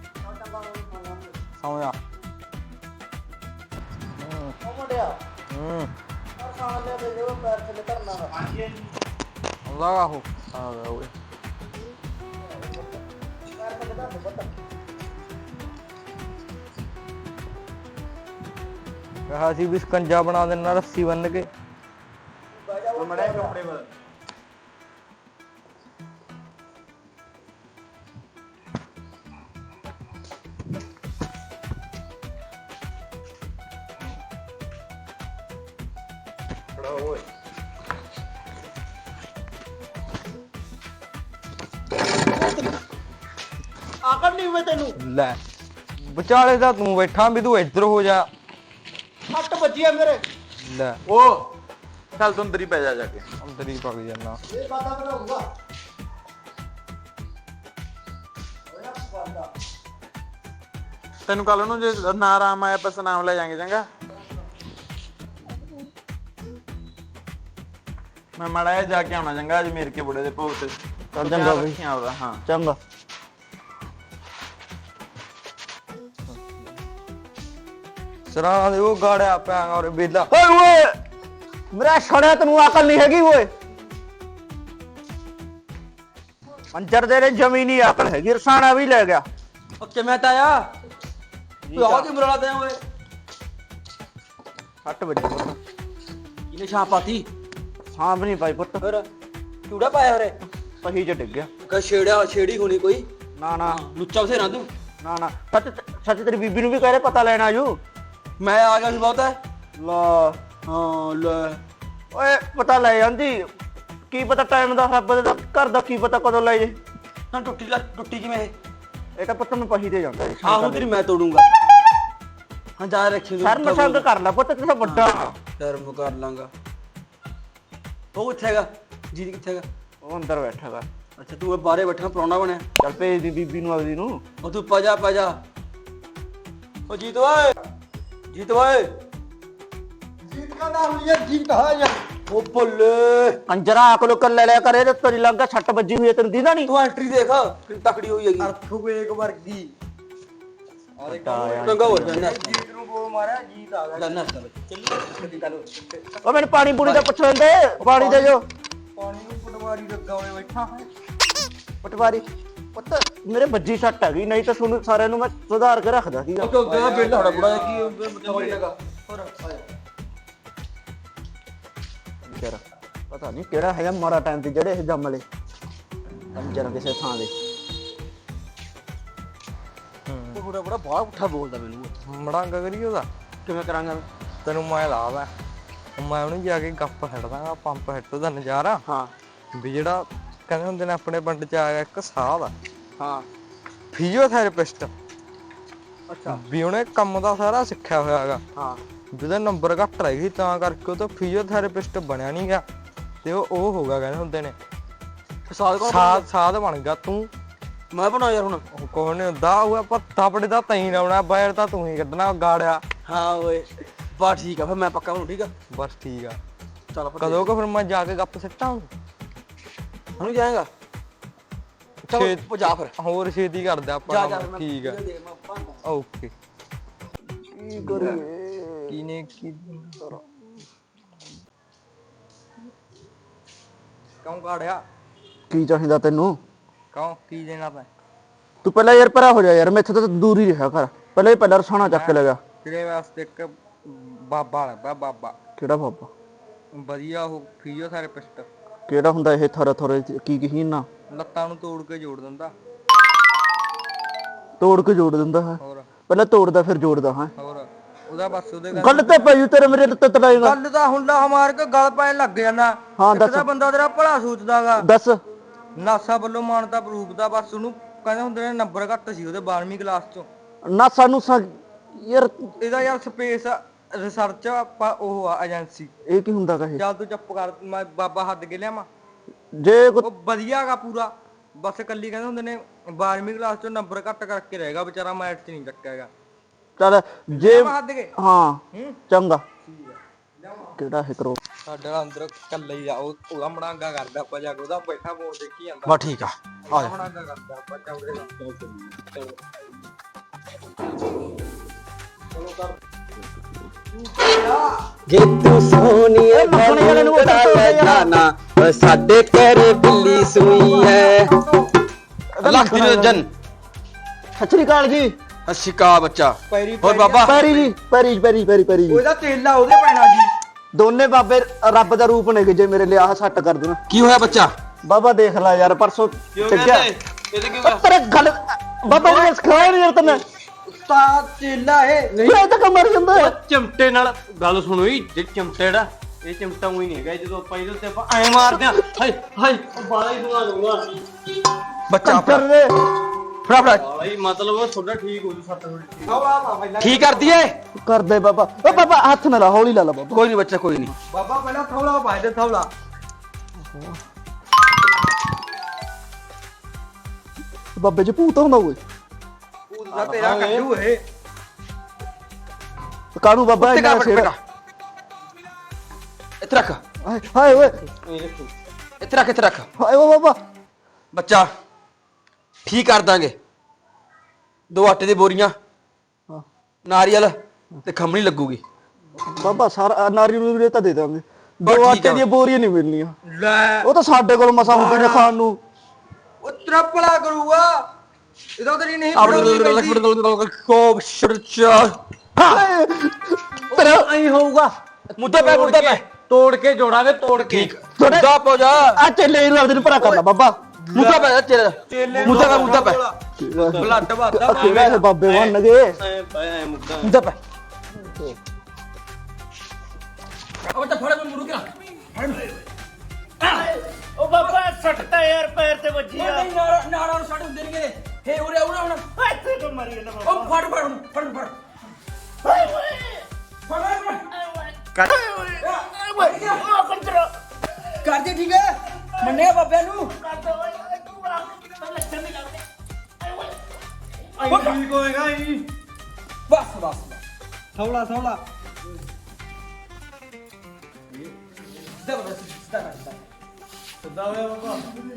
S1: ਸਮਝਾ ਹੂੰ ਆਉਂਦਾ ਆਹੋ ਆ ਗਿਆ ਓਏ। ਕਹਾ ਸੀ ਵੀ ਸਕੰਜਾ ਬਣਾ ਦੇਣਾ ਰੱਸੀ ਬੰਨ ਕੇ।
S4: ਉਹ ਮੜਾ ਕੱਪੜੇ ਬਦਲ। ਖੜਾ ਓਏ। ਆਕੜ ਨਹੀਂ ਹੋਵੇ ਤੈਨੂੰ?
S1: ਲੈ ਵਿਚਾਲੇ ਦਾ ਤੂੰ ਬੈਠਾ ਵੀ ਤੂੰ ਇੱਧਰ ਹੋ ਜਾ।
S4: ਹੱਟ ਵੱਜੀ ਆ ਮੇਰੇ।
S1: ਲੈ
S4: ਉਹ ਚੱਲ ਤੂੰ ਅੰਦਰ ਹੀ ਪੈ ਜਾ ਜਾ ਕੇ।
S1: ਅੰਦਰ ਹੀ ਪਗ ਜਾਣਾ।
S4: ਇਹ ਬਾਤਾਂ ਬਣਾਉਂਗਾ। ਤੈਨੂੰ ਕੱਲ ਨੂੰ ਜੇ ਨਾ ਆਰਾਮ ਆਇਆ ਬਸ ਨਾਮ ਲੈ ਜਾਾਂਗੇ ਚੰਗਾ। ਮੈਂ ਮਾੜਾ ਜਿਹਾ ਜਾ ਕੇ ਆਉਣਾ ਚੰਗਾ ਅੱਜ ਮੇਰੇ ਕੇ ਬੁੜੇ ਦੇ ਭੋਗ ਤੇ।
S3: ਚੱਲ ਚੰਗਾ ਬਈ।
S4: ਰੱਖਿਆ ਉਹਦਾ ਹਾਂ।
S3: ਚੰਗਾ।
S1: ਸਰਾਂ ਦੇ ਉਹ ਗਾੜਿਆ ਪਿਆ ਔਰ ਬੇਲਾ।
S3: ਓਏ ਓਏ ਮੇਰਾ ਛੜਿਆ, ਤੈਨੂੰ ਅਕਲ ਨਹੀਂ ਹੈਗੀ ਓਏ। ਅੰਜਰ ਦੇ ਨੇ ਜ਼ਮੀਨੀ ਅਕਲ ਹੈਗੀ, ਰਸਾਣਾ ਵੀ ਲੈ ਗਿਆ।
S2: ਉਹ ਕਿਵੇਂ ਤਾਇਆ? ਤੂੰ ਆਹ ਕੀ ਮਰਲਾ ਦੇ ਓਏ?
S3: ਹੱਟ ਵੱਜੀ ਪੁੱਤ।
S2: ਇਹਨੇ ਛਾਂ ਪਾਤੀ?
S3: ਸਾਂਭ ਨਹੀਂ ਪਾਈ ਪੁੱਤ,
S2: ਫਿਰ ਚੂੜਾ ਪਾਇਆ ਹੋਰੇ?
S3: ਪਹੀ ਚ ਡਿੱਗ ਗਿਆ।
S2: ਕਾ ਛੇੜਿਆ ਛੇੜੀ ਹੋਣੀ ਕੋਈ?
S3: ਨਾ ਨਾ
S2: ਲੁੱਚਾ ਬਥੇਰਾ ਤੂੰ।
S3: ਨਾ ਨਾ ਸੱਚ ਸੱਚ ਤੇਰੀ ਬੀਬੀ ਨੂੰ ਵੀ ਕਹਿ ਰਹੇ ਪਤਾ ਲੈਣ ਆਜੂ।
S2: ਮੈਂ ਆ ਗਿਆ ਸੀ ਬਹੁਤ ਹੈ।
S3: ਲਾ
S2: ਹਾਂ ਲੈ
S3: ਓਏ ਪਤਾ ਲੈ ਜਾਂਦੀ, ਕੀ ਪਤਾ ਟਾਈਮ ਦਾ ਰੱਬ ਦਾ ਘਰ ਦਾ ਕੀ ਪਤਾ ਕਦੋਂ ਲੈ ਜੇ।
S2: ਨਾ ਟੁੱਟੀ ਲੱਤ ਟੁੱਟੀ ਕਿਵੇਂ ਇਹ?
S3: ਇਹ ਤਾਂ ਪੁੱਤ ਮੈਂ ਪਹੀ ਤੇ ਜਾਂਦਾ।
S2: ਆਹੋ ਤੇਰੀ ਮੈਂ ਤੋੜੂੰਗਾ। ਹਾਂ ਜਾ ਰੱਖੀ
S3: ਸ਼ਰਮ ਸੰਗ ਕਰ ਲੈ ਪੁੱਤ, ਤੂੰ ਤਾਂ ਵੱਡਾ।
S2: ਸ਼ਰਮ ਕਰ ਲਾਂਗਾ। ਉਹ ਕਿੱਥੇ ਹੈਗਾ? ਜੀਤ ਕਿੱਥੇ ਹੈਗਾ?
S3: ਉਹ ਅੰਦਰ ਬੈਠਾ ਗਾ।
S2: ਅੱਛਾ ਤੂੰ ਇਹ ਬਾਹਰੇ ਬੈਠਾ ਪ੍ਰਾਹੁਣਾ ਬਣਿਆ।
S3: ਚੱਲ ਭੇਜ ਦੀ ਬੀਬੀ ਨੂੰ ਆਪਦੀ ਨੂੰ।
S2: ਉਹ ਤੂੰ ਪਾ ਜਾ ਪਾ ਜਾ। ਉਹ ਜੀਤ ਓਏ ਜੀਤ ਓਏ ਜੀਤ ਦਾ ਨਾਮ ਲਿਆ ਜੀਤ ਆ ਜਾ। ਉਹ ਬੱਲੇ
S3: ਅੰਜਰਾ ਅਕਲ ਕਰ ਲੈ ਲਿਆ ਕਰੇ ਤੇ ਤੇਰੀ ਲੰਗਾ ਛੱਟ ਵੱਜੀ ਹੋਈ ਹੈ ਤੈਨੂੰ ਦੀਦਾ ਨਹੀਂ।
S2: ਤੂੰ ਐਂਟਰੀ ਦੇਖ ਕਿੰਨੀ ਤਕੜੀ ਹੋਈ ਹੈਗੀ।
S1: ਅਰਥਕਵੇਕ ਵਰਗੀ ਆ ਦੇਖ
S2: ਚੰਗਾ ਹੋ ਜਾਣਾ।
S1: ਜੀਤ ਨੂੰ ਗੋਲ ਮਾਰਿਆ ਜੀਤ ਆ ਗਿਆ।
S2: ਜਾਨਾ ਚੱਲ ਚੱਲੀ ਚੱਲ।
S3: ਉਹ ਮੈਨੂੰ ਪਾਣੀ ਪੂਣੀ ਦਾ ਪੁੱਛ ਲੈਂਦੇ ਪਾਣੀ ਦੇ ਜੋ।
S1: ਪਾਣੀ ਨੂੰ ਪਟਵਾਰੀ ਲੱਗਾ ਹੋਇਆ ਬੈਠਾ ਹੈ।
S3: ਪਟਵਾਰੀ ਪੁੱਤ ਮੇਰੇ ਵੱਜੀ ਸੱਟ ਹੈਗੀ ਨਹੀਂ ਤਾਂ ਤੁਹਾਨੂੰ ਸਾਰਿਆਂ ਨੂੰ ਮੈਂ ਸੁਧਾਰ ਕੇ ਰੱਖਦਾ ਸੀਗਾ।
S2: ਉਹ ਕਿਉਂ ਦਾ ਬਿੱਲ ਹੋਣਾ ਬੁੜਾ ਕੀ ਮਤਲਬ ਹੈਗਾ। ਹੋਰ ਆ ਜਾ।
S3: ਯਾਰ ਪਤਾ ਨਹੀਂ ਕਿਹੜਾ ਹੈਗਾ ਮਾੜਾ ਟਾਈਮ ਤੇ ਜਿਹੜੇ ਇਹ ਜੰਮ ਲਏ ਅੰਜਰ ਕਿਸੇ ਥਾਂ ਦੇ।
S2: ਉਹ ਬੁੜਾ ਬੁੜਾ ਬਾਹਰ ਉੱਠਾ ਬੋਲਦਾ ਮੈਨੂੰ।
S1: ਮੜਾਂਗਾ ਕਰੀ ਉਹਦਾ
S2: ਕਿਵੇਂ ਕਰਾਂਗਾ?
S1: ਤੈਨੂੰ ਮੈਂ ਲਾਵਾ ਮੈਂ ਉਹਨੂੰ ਜਾ ਕੇ ਗੱਪ ਛੱਡਦਾ ਪੰਪ ਹਿੱਟ ਦਾ ਨਜ਼ਾਰਾ।
S2: ਹਾਂ
S1: ਵੀ ਜਿਹੜਾ ਕਹਿੰਦੇ ਹੁੰਦੇ ਨੇ ਆਪਣੇ ਪਿੰਡ ਚ ਆ ਗਿਆ ਇੱਕ ਸਾਹ ਦਾ
S2: ਹਾਂ
S1: ਫਿਜ਼ੀਓਥੈਰੇਪਿਸਟ।
S2: ਅੱਛਾ
S1: ਵੀ ਉਹਨੇ ਕੰਮ ਦਾ ਸਾਰਾ ਸਿੱਖਿਆ ਹੋਇਆ ਹੈਗਾ।
S2: ਹਾਂ
S1: ਜਿਹਦਾ ਨੰਬਰ ਘੱਟ ਰਹਿ ਗਈ ਤਾਂ ਕਰਕੇ ਉਹ ਤਾਂ ਫਿਜ਼ੀਓਥੈਰੇਪਿਸਟ ਬਣਿਆ ਨਹੀਂ ਗਿਆ ਤੇ ਉਹ ਉਹ ਹੋ ਗਿਆ ਕਹਿੰਦੇ ਹੁੰਦੇ ਨੇ
S2: ਸਾਦ ਕੌਣ?
S1: ਸਾਧ ਸਾਧ ਬਣ ਗਿਆ ਤੂੰ।
S2: ਮੈਂ ਬਣਾ ਯਾਰ ਹੁਣ।
S1: ਉਹ ਕੋਣ ਨਹੀਂ ਹੁੰਦਾ ਉਹ ਆਪਾਂ ਥਾਪੜੇ ਦਾ ਤੈਂ ਲਾਉਣਾ ਬਾਹਰ ਤਾਂ ਤੂੰ ਹੀ ਕੱਢਣਾ ਗਾੜਿਆ।
S2: ਹਾਂ ਓਏ ਬਾ ਠੀਕ ਆ ਫਿਰ ਮੈਂ ਪੱਕਾ ਬਣੂ। ਠੀਕ ਆ
S1: ਬਸ ਠੀਕ ਆ।
S2: ਚੱਲ ਫਿਰ
S1: ਕਦੋਂ ਕਿ ਫਿਰ ਮੈਂ ਜਾ ਕੇ ਗੱਪ ਸਿੱਟਾਂ
S2: ਹੁਣ ਜਾਏਗਾ। ਚੱਲ
S1: ਛੇ-
S2: ਜਾ ਫਿਰ
S1: ਹੋਰ ਛੇਤੀ ਕਰਦੇ
S2: ਜਾ
S1: ਆਪਾਂ
S2: ਜਾ ਫਿਰ ਮੈਂ
S1: ਠੀਕ ਆ
S2: ਦੇ ਮੈਂ ਭਾਂਡਾ।
S1: ਓਕੇ।
S3: ਕੀ ਕਰੀਏ
S1: ਕੀ ਨੇ ਕੀ ਕਿਉਂ ਕਾੜਿਆ
S3: ਕੀ ਚਾਹੀਦਾ ਤੈਨੂੰ?
S1: ਕਿਉਂ ਕੀ ਦੇਣਾ ਤੈਂ?
S3: ਤੂੰ ਪਹਿਲਾਂ ਯਾਰ ਪਰਾ ਹੋ ਜਾ ਯਾਰ ਮੈਥੋਂ ਤਾਂ ਦੂਰ ਹੀ ਰਿਹਾ ਕਰ। ਪਹਿਲਾਂ ਹੀ ਪਹਿਲਾਂ ਰਸਾਣਾ ਚੱਕ ਕੇ ਲੈ ਗਿਆ।
S1: ਤੇਰੇ ਵਾਸਤੇ ਇੱਕ ਬਾਬਾ ਲੱਭਾ ਬਾਬਾ
S3: ਕਿਹੜਾ ਬਾਬਾ?
S1: ਵਧੀਆ ਉਹ ਫਿਜ਼ੀਓਥੈਰੇਪਿਸਟ।
S3: ਕਿਹੜਾ ਹੁੰਦਾ ਇਹ ਥਰ ਥਰ ਕੀ ਕੀ ਨਾ
S1: ਲੱਤਾਂ ਨੂੰ ਤੋੜ ਕੇ ਜੋੜ ਦਿੰਦਾ।
S3: ਤੋੜ ਕੇ ਜੋੜ ਦਿੰਦਾ ਹੈ।
S1: ਹੋਰ
S3: ਪਹਿਲਾਂ ਤੋੜਦਾ ਫਿਰ ਜੋੜਦਾ ਹੈ।
S1: ਹੋਰ ਉਹਦਾ ਬਸ ਉਹਦੇ
S3: ਗੱਲ ਤੇ ਪਈ ਤੇਰੇ ਮੇਰੇ ਲੱਤ ਤੜਾਏਗਾ।
S1: ਗੱਲ ਤਾਂ ਹੁੰਦਾ ਹਮਾਰ ਕੇ ਗਲ ਪੈਣ ਲੱਗ ਜਾਂਦਾ।
S3: ਹਾਂ
S1: ਇੱਕ
S3: ਦੱਸ
S1: ਤਾਂ ਬੰਦਾ ਤੇਰਾ ਭਲਾ ਸੋਚਦਾਗਾ।
S3: ਦੱਸ।
S1: ਨਾਸਾ ਵੱਲੋਂ ਮਾਨਤਾ ਪ੍ਰੂਫ ਦਾ ਬਸ ਉਹਨੂੰ ਕਹਿੰਦੇ ਹੁੰਦੇ ਨੇ ਨੰਬਰ ਘੱਟ ਸੀ ਉਹਦੇ ਬਾਰਵੀਂ ਕਲਾਸ ਚੋਂ।
S3: ਨਾ ਸਾਨੂੰ ਸਾ ਯਾਰ
S1: ਇਹਦਾ ਯਾਰ ਸਪੇਸ ਰਿਸਰਚ ਆਪਾਂ ਉਹ ਆ ਏਜੰਸੀ।
S3: ਇਹ ਕੀ ਹੁੰਦਾ ਕਹੇ?
S1: ਚੱਲ ਤੂੰ ਚੁੱਪ ਕਰ ਮੈਂ ਬਾਬਾ ਹੱਦ ਕੇ ਲਿਆਵਾਂ।
S3: ਜੇ ਕੋ
S1: ਉਹ ਵਧੀਆਗਾ ਪੂਰਾ ਬਸ ਕੱਲੀ ਕਹਿੰਦੇ ਹੁੰਦੇ ਨੇ ਬਾਰਵੀਂ ਕਲਾਸ ਚੋਂ ਨੰਬਰ ਘੱਟ ਕਰਕੇ ਰਹੇਗਾ ਵਿਚਾਰਾ ਮੈਥ ਚ ਨਹੀਂ ਚੱਕਿਆਗਾ।
S3: ਚੱਲ ਜੇ
S1: ਮੈਂ ਹੱਦ ਕੇ
S3: ਹਾਂ
S1: ਹੂੰ
S3: ਚੰਗਾ ਕਿਹੜਾ ਹੈ ਕਰੋ
S1: ਸਾਡੇ ਨਾਲ ਅੰਦਰ ਕੱਲਾ ਹੀ ਆ ਉਹ ਉਹਦਾ ਮੜਾਂਗਾ ਕਰਦਾ ਆਪਾਂ ਜਾ ਕੇ ਉਹਦਾ ਬੈਠਾ ਬੋਲ ਦੇਖੀ ਜਾਂਦਾ।
S2: ਬਾ ਠੀਕ ਆ ਆ ਜਾ।
S1: ਮੜਾਂਗਾ ਕਰਦਾ ਆਪਾਂ ਚੌੜੇ ਦਾ ਚਲੋ ਕਰ
S2: ਜੇ ਤੂੰ ਸੋਹਣੀਏ ਮੈਨੂੰ ਕੜਾ ਲੈ ਜਾਣਾ ਓ ਸਾਡੇ ਘਰੇ ਬਿੱਲੀ ਸੂਈ ਹੈ। ਲੱਖ ਦੀ ਰੰਜਨ
S3: ਸਤਿ ਸ੍ਰੀ ਅਕਾਲ ਜੀ।
S2: ਅਸ਼ਿਕਾ ਬੱਚਾ
S1: ਪੈਰੀ
S2: ਹੋਰ ਬਾਬਾ
S3: ਪੈਰੀ ਜੀ ਪੈਰੀ ਪੈਰੀ ਪੈਰੀ ਪੈਰੀ ਜੀ।
S1: ਉਹਦਾ ਤੇਲਾ ਉਹਦੇ ਪੈਣਾ ਜੀ।
S3: ਦੋਨੇ ਬਾਬੇ ਰੱਬ ਦਾ ਰੂਪ ਨੇ ਜੇ ਮੇਰੇ ਲਈ ਆਹ ਸੱਟ ਕਰ ਦੇਣਾ।
S2: ਕੀ ਹੋਇਆ ਬੱਚਾ?
S3: ਬਾਬਾ ਦੇਖ ਲੈ ਯਾਰ ਪਰਸੋਂ ਚੱਕਿਆ
S2: ਇਹਦੇ ਕੀ
S3: ਤੇਰੇ ਗੱਲ ਬਾਬਾ ਨੇ ਸਿਖਾਇਆ ਨਹੀਂ ਯਾਰ ਤੈਨੂੰ।
S1: ਤਾਂ ਤੇਲਾ ਇਹ
S3: ਨਹੀਂ ਇਹ ਤਾਂ ਕਮਰ ਜਾਂਦਾ ਹੈ।
S2: ਚਿਮਟੇ ਨਾਲ ਗੱਲ ਸੁਣੋ ਜੀ। ਜੇ ਚਿਮਟੇ ਦਾ ਇਹ ਚਿਮਟਾ ਉਹੀ ਨਹੀਂ ਹੈਗਾ। ਜਦੋਂ ਆਪਾਂ ਇਹਦੇ ਉੱਤੇ ਆਪਾਂ ਐ ਮਾਰਦੇ ਆ ਹਾਏ ਹਾਏ ਬਾਲਾ ਹੀ ਬਣਾ ਲੂੰਗਾ ਬੱਚਾ।
S3: ਕਰ ਦੇ
S2: ਫੜਾ ਫੜਾ ਬਾਲਾ ਹੀ ਮਤਲਬ ਤੁਹਾਡਾ ਠੀਕ ਹੋ ਜੂ ਸੱਟ ਥੋੜੀ ਠੀਕ ਕਰਦੀ ਏ।
S3: ਕਰ ਦੇ ਬਾਬਾ। ਓ ਬਾਬਾ ਹੱਥ ਨਾ ਲਾ ਹੌਲੀ ਲਾ ਲਾ ਬਾਬਾ।
S2: ਕੋਈ ਨਹੀਂ ਬੱਚਾ ਕੋਈ ਨਹੀਂ।
S1: ਬਾਬਾ ਪਹਿਲਾਂ ਥੌਲਾ ਪਾਇ ਦੇ ਥੌਲਾ।
S3: ਬਾਬੇ ਚ ਭੂਤ ਹੁੰਦਾ ਓਏ।
S1: ਉਹਦਾ ਤੇਰਾ ਕੱਢੂ ਇਹ
S3: ਕਾਹਨੂੰ ਬਾਬਾ
S2: ਉੱਤੇ
S3: ਇੰਨਾ
S2: ਕਰ
S3: ਸਿਰ
S2: ਬੇਟਾ ਇੱਥੇ ਰੱਖ।
S3: ਹਾਏ ਹਾਏ ਓਏ
S2: ਇੱਥੇ ਰੱਖ ਇੱਥੇ ਰੱਖ
S3: ਹਾਏ ਓ ਬਾਬਾ।
S2: ਬੱਚਾ ਠੀਕ ਕਰ ਦਾਂਗੇ। ਦੋ ਆਟੇ ਦੀ ਬੋਰੀਆਂ
S3: ਹਾਂ।
S2: ਨਾਰੀਅਲ ਤੇ ਖੰਮਣੀ ਲੱਗੂਗੀ।
S3: ਬਾਬਾ ਸਾਰਾ ਨਾਰੀ ਨੂੰ ਵੀ ਤਾਂ ਦੇ ਦਾਂਗੇ।
S2: ਬਸ
S3: ਦੋ
S2: ਠੀਕ
S3: ਆਟੇ
S2: ਆ।
S3: ਦੀਆਂ ਬੋਰੀਆਂ ਨਹੀਂ ਮਿਲਣੀਆਂ।
S1: ਲੈ
S3: ਉਹ ਤਾਂ ਸਾਡੇ ਕੋਲ ਮਸਾ ਹੁੰਦੇ ਨੇ ਖਾਣ ਨੂੰ।
S1: ਉਹ ਤਰਪਲਾ ਕਰੂਗਾ ਇਹਦਾ ਤੇਰੀ ਨਹੀਂ ਬਣਾਉਣੀ ਪੈਂਦੀ।
S2: ਕੋਬ ਸ਼ਰਚਾ
S3: ਹਾਏ ਤੇਰਾ
S2: ਐਂ ਹੋਊਗਾ। ਮੁੱਦਾ ਪੈ ਮੁੱਦਾ ਪੈ ਤੋੜ ਕੇ ਜੋੜਾਂਗੇ ਤੋੜ ਕੇ। ਮੁੱਦਾ ਪੋ ਜਾ
S3: ਆ ਚੱਲੇ ਨੂੰ ਆਪਦੇ ਨੂੰ ਭਰਾ ਕਰ ਲਾ ਬਾਬਾ।
S2: ਮੁੱਦਾ ਪੈ ਤੇਰਾ ਮੁੱਦਾ ਪੈ ਮੁੱਦਾ ਪੈ
S1: ਬਲੱਡ ਵਾਦਾ
S3: ਕਿਹੜਾ ਇਹ ਬਾਬੇ ਬਣ ਗਏ।
S2: ਐ ਪੈ ਮੁੱਦਾ
S3: ਮੁੱਦਾ ਪੈ
S2: ਉਹ ਤਾਂ ਫੜ ਮੈਨੂੰ ਰੁਕ
S5: ਉਹ ਬਾਬਾ ਸੱਟਦਾ ਯਾਰ ਪੈਰ ਤੇ ਵੱਜੀ ਆ।
S2: ਨਹੀਂ ਨਾਰਾ ਨਾਰਾ ਨੂੰ ਛੱਡ ਹੁੰਦੇ ਨਹੀਂਗੇ। ਹੇ ਉਰੇ ਉਰੇ ਹੁਣ
S5: ਇੱਥੇ ਤੋਂ ਮਰੀ ਜਾਂਦਾ ਬਾਬਾ।
S2: ਉਹ ਫੜ ਫੜ ਹੁਣ ਫੜ ਫੜ
S5: ਹਾਏ ਓਏ
S2: ਫੜ ਫੜ
S5: ਕਰ ਓਏ ਓਏ ਉਹ ਕੰਟਰੋ
S2: ਕਰ ਦੇ ਠੀਕ ਹੈ। ਮੰਨਿਆ ਬਾਬਿਆਂ ਨੂੰ
S5: ਤੂੰ ਬਣਾ ਤੇ ਲੱਛਣ ਨਹੀਂ ਲੱਗਦੇ ਆਏ ਓਏ
S4: ਆਈ ਠੀਕ ਹੋਏਗਾ ਹੀ
S2: ਬਸ ਬਸ ਥੋੜਾ ਥੋੜਾ ਜ਼ਬਰਦਸਤ ਸਿੱਧਾ ਕਰ ਸਿੱਧਾ
S4: ਸਿੱਧਾ ਹੋਇਆ ਬਾਬਾ